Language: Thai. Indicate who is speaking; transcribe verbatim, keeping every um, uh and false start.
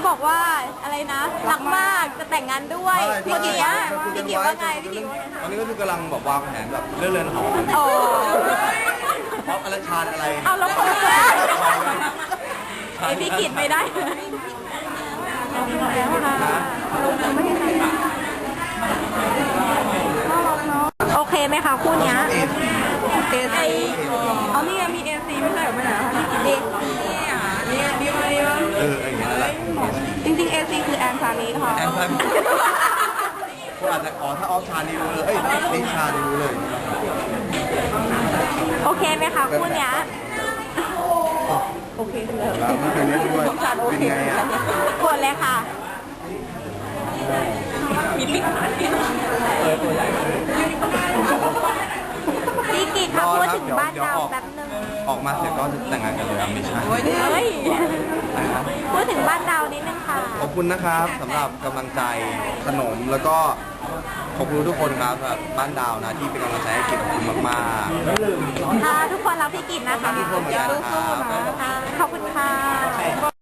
Speaker 1: บอกว่าอะไรนะรักมากจะแต่งงานด้วยพี่กิจว่าพี่กิจว่าไงพี่กิจว่าไง
Speaker 2: ตอนนี้ก็คือกำลังแบบวางแผนแบบเรื่องเรือนหอ
Speaker 1: โอ้
Speaker 2: เพราะอะไรชาญอะไร
Speaker 1: เอาแล้วคนละไอพี่กิจไม่ได้โอเคไหมคะคู่นี้เอซีเอานี่มีเอซีไม่ใช่หรอไม่ใช่เอซีอ่ะนี่ดีไหมวะ
Speaker 2: เอออย่างเงี้ยแหละ
Speaker 1: จริงๆเอซีคือแอนซานีค่ะ
Speaker 2: แอนพันก็อาจจะอ๋อถ้าออฟชานี่รู้เลยเอ้ยนิชานี่รู้เลย
Speaker 1: โอเคไหมคะคู่นี้โอเคเลย
Speaker 2: แล้วไม่เคยเล่นด้วยเป็นไงอ่ะ
Speaker 1: กดเลยค่ะมีปิ๊กพี่กิจค่ะพูดถึงบ้านดาวแป๊บนึง
Speaker 2: ออกมาเสร็จก็แต่งงานกันเลยไม่ใช่
Speaker 1: เฮ้ยพูดถึงบ้านดาวนิดนึงค่ะ
Speaker 2: ขอบคุณนะครับสำหรับกำลังใจขนมแล้วก็ขอบคุณทุกคนครับแบบบ้านดาวนะที่เป็นกำลังใจให้กิจขอบคุณมากๆ
Speaker 1: ค่ะทุกคนรักพี่กิจนะคะ
Speaker 2: ทุกคนเหมือนกันนะครับ